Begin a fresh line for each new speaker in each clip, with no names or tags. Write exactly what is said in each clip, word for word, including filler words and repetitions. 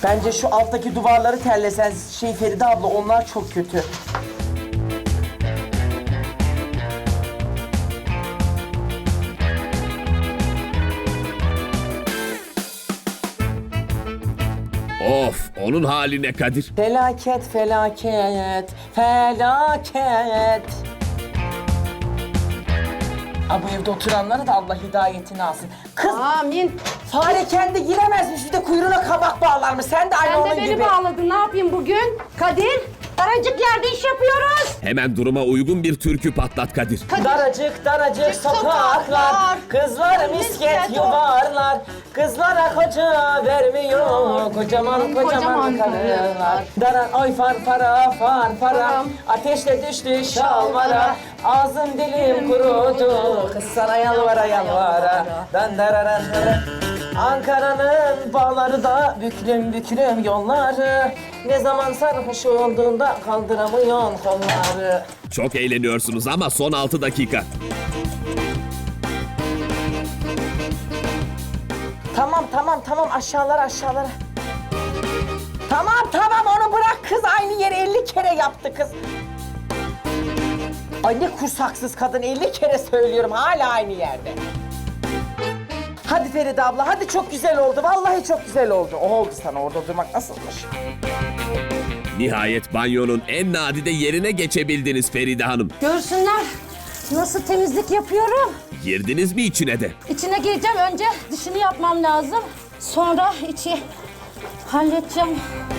Bence şu alttaki duvarları terlesen şey Feride abla, onlar çok kötü.
Of, onun haline Kadir.
Felaket, felaket, felaket. Aa, bu evde oturanlara da Allah hidayetini alsın. Kız,
Amin.
fare kendi giremezmiş, bir de kuyruğuna kabak bağlarmış. Sen de aynı
Sen
onun
de beni
gibi.
bağladın. Ne yapayım bugün? Kadir, daracık yerde iş yapıyoruz.
Hemen duruma uygun bir türkü patlat Kadir.
Daracık daracık sokaklar,
sokaklar,
kızlar misket
misket
yuvarlar, kızlara koca vermiyor, kocaman kocaman
Kocaman
karılar.
karılar.
Dara ay far para far para,
Param.
ateşle düştü şalvara, ağzım dilim kurudu, kız sana yalvara yalvara. Dan dararan dara. Ankara'nın bağları da büklüm büklüm yolları, ne zaman sarhoş olduğunda kaldıramıyorsun kolları.
Çok eğleniyorsunuz ama son altı dakika.
Tamam tamam tamam, aşağılara aşağılara. Tamam tamam, onu bırak kız, aynı yeri elli kere yaptı kız. Ay ne kursaksız kadın, elli kere söylüyorum hala aynı yerde. Hadi Feride abla, hadi, çok güzel oldu, vallahi çok güzel oldu. O oldu sana, orada durmak nasılmış?
Nihayet banyonun en nadide yerine geçebildiniz Feride Hanım.
Görsünler nasıl temizlik yapıyorum.
Girdiniz mi içine de?
İçine gireceğim. Önce dışını yapmam lazım. Sonra içi halledeceğim.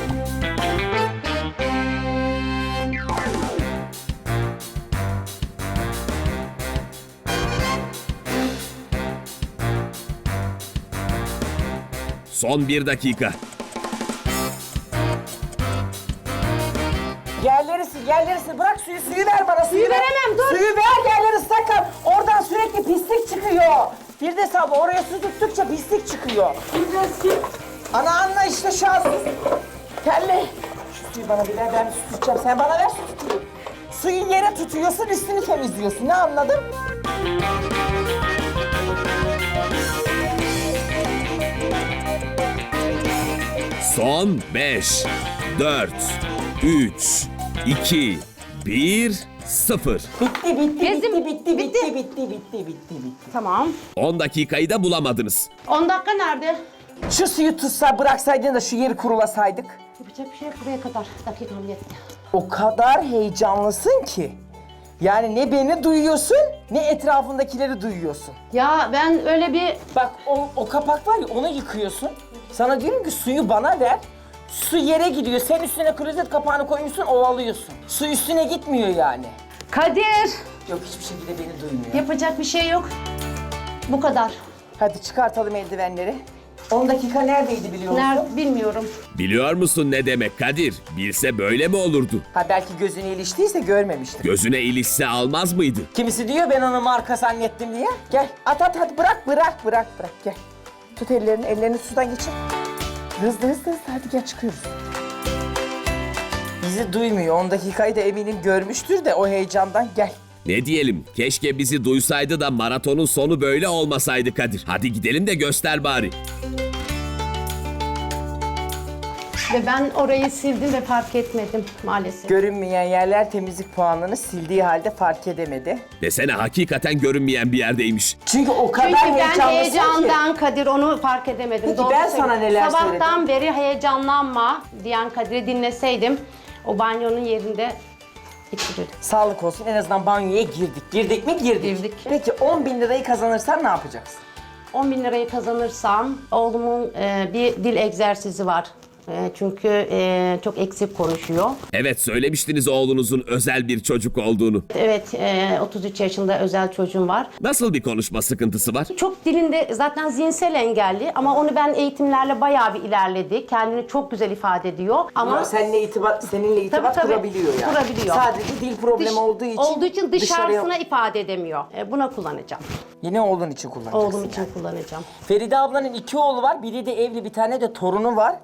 Son bir dakika.
Yerleri sil, yerleri sil. Bırak suyu, suyu ver bana, suyu,
Suyu
ver.
veremem, dur.
Suyu ver, yerleri sakın. Oradan sürekli pislik çıkıyor. Bir de sabah oraya su tuttukça pislik çıkıyor. Ana anla işte şu an su. Terli. Şu suyu bana bir ver, ben su tutacağım. Sen bana ver, su tutayım. Suyu yere tutuyorsun, üstünü temizliyorsun. Ne anladın?
Son beş, dört, üç, iki, bir, sıfır.
Bitti, bitti,
Gezdim.
bitti, bitti, bitti, bitti, bitti, bitti, bitti.
Tamam.
on dakikayı da bulamadınız.
on dakika nerede?
Şu suyu tutsa, bıraksaydın da şu yeri kurulasaydık.
Yapacak bir şey yok, buraya kadar. Dakikam yetti.
O kadar heyecanlısın ki. Yani ne beni duyuyorsun, ne etrafındakileri duyuyorsun.
Ya ben öyle bir...
Bak o, o kapak var ya, onu yıkıyorsun. Sana diyorum ki suyu bana ver. Su yere gidiyor. Sen üstüne klozet kapağını koymuşsun, ovalıyorsun. Su üstüne gitmiyor yani.
Kadir!
Yok, hiçbir şekilde beni duymuyor.
Yapacak bir şey yok. Bu kadar.
Hadi çıkartalım eldivenleri. on dakika neredeydi biliyor musun?
Nerede bilmiyorum.
Biliyor musun ne demek Kadir? Bilse böyle mi olurdu?
Ha, belki gözüne iliştiyse görmemiştir.
Gözüne ilişse almaz mıydı?
Kimisi diyor ben onu marka zannettim diye. Gel at at hadi, bırak bırak bırak bırak gel. Tut ellerini, ellerini sudan geçir. Hızlı hızlı hızlı, hadi gel çıkıyoruz. Bizi duymuyor. on dakikayı da eminim görmüştür de o heyecandan gel.
Ne diyelim? Keşke bizi duysaydı da maratonun sonu böyle olmasaydı Kadir. Hadi gidelim de göster bari.
Ve ben orayı sildim ve fark etmedim maalesef.
Görünmeyen yerler temizlik puanını sildiği halde fark edemedi.
Desene hakikaten görünmeyen bir yerdeymiş.
Çünkü o kadar
Çünkü ben
heyecanlısın ki.
heyecandan Kadir onu fark edemedim.
Peki
Doğru
ben
söylüyorum.
sana neler
Sabahtan beri heyecanlanma diyen Kadir'i dinleseydim o banyonun yerinde bitirirdim.
Sağlık olsun, en azından banyoya girdik. Girdik mi? Girdik.
Girdik.
Peki on bin lirayı kazanırsan ne yapacaksın?
on bin lirayı kazanırsam oğlumun e, bir dil egzersizi var. E, çünkü e, çok eksik konuşuyor.
Evet, söylemiştiniz oğlunuzun özel bir çocuk olduğunu.
Evet, e, otuz üç yaşında özel çocuğum var.
Nasıl bir konuşma sıkıntısı var?
Çok dilinde zaten zihinsel engelli ama onu ben eğitimlerle bayağı bir ilerledi. Kendini çok güzel ifade ediyor ama
Ama seninle itibat, seninle itibat
Tabii, tabii.
kurabiliyor yani.
Kurabiliyor.
Sadece dil problemi
dış-
olduğu için,
olduğu için dışarısına
dışarıya...
ifade edemiyor. E, buna kullanacağım.
Yine oğlun için kullanacaksın.
Oğlum için kullanacağım.
Feride ablanın iki oğlu var. Biri de evli, bir tane de torunu var.
Evet.
Yani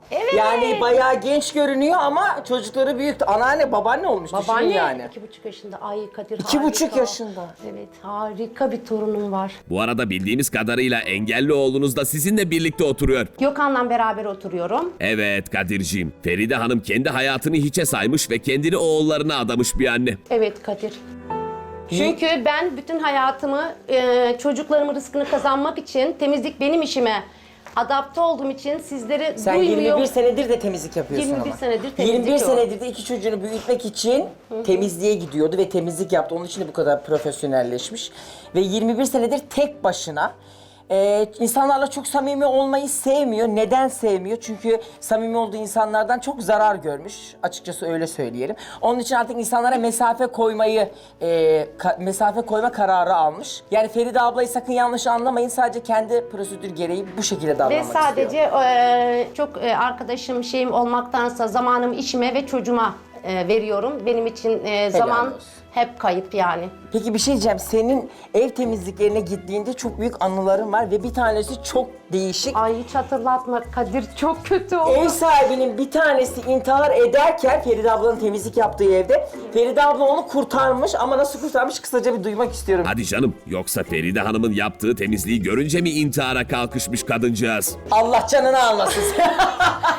Yani bayağı genç görünüyor ama çocukları büyüktü. Anneanne, babaanne olmuş düşünün
Babaanne
yani.
iki buçuk yaşında. Ay Kadir
İki
harika.
buçuk yaşında.
Evet harika bir torunum var.
Bu arada bildiğimiz kadarıyla engelli oğlunuz da sizinle birlikte oturuyor.
Gökhan'la beraber oturuyorum.
Evet Kadir'ciğim. Feride Hanım kendi hayatını hiçe saymış ve kendini oğullarına adamış bir anne.
Evet Kadir. Çünkü ben bütün hayatımı e, çocuklarımın rızkını kazanmak için temizlik benim işime adapte olduğum için sizleri
Sen
duymuyor.
yirmi bir senedir de temizlik yapıyorsun
yirmi bir
ama.
senedir temizlik
yirmi bir
yok.
senedir de iki çocuğunu büyütmek için temizliğe gidiyordu ve temizlik yaptı. Onun için de bu kadar profesyonelleşmiş. Ve yirmi bir senedir tek başına e, insanlarla çok samimi olmayı sevmiyor. Neden sevmiyor? Çünkü samimi olduğu insanlardan çok zarar görmüş. Açıkçası öyle söyleyelim. Onun için artık insanlara mesafe koymayı, e, ka- mesafe koyma kararı almış. Yani Feride ablayı sakın yanlış anlamayın. Sadece kendi prosedür gereği bu şekilde
Ve
davranmak
sadece
istiyor.
e, çok e, arkadaşım şeyim olmaktansa zamanımı işime ve çocuğuma e, veriyorum. Benim için e, zaman
olsun.
hep kayıp yani.
Peki bir şey diyeceğim. Senin ev temizliklerine gittiğinde çok büyük anıların var ve bir tanesi çok değişik.
Ay hiç hatırlatma Kadir, çok kötü oldu.
Ev sahibinin bir tanesi intihar ederken Feride ablanın temizlik yaptığı evde Feride abla onu kurtarmış ama nasıl kurtarmış kısaca bir duymak istiyorum.
Hadi canım, yoksa Feride Hanım'ın yaptığı temizliği görünce mi intihara kalkışmış kadıncağız?
Allah canını almasın.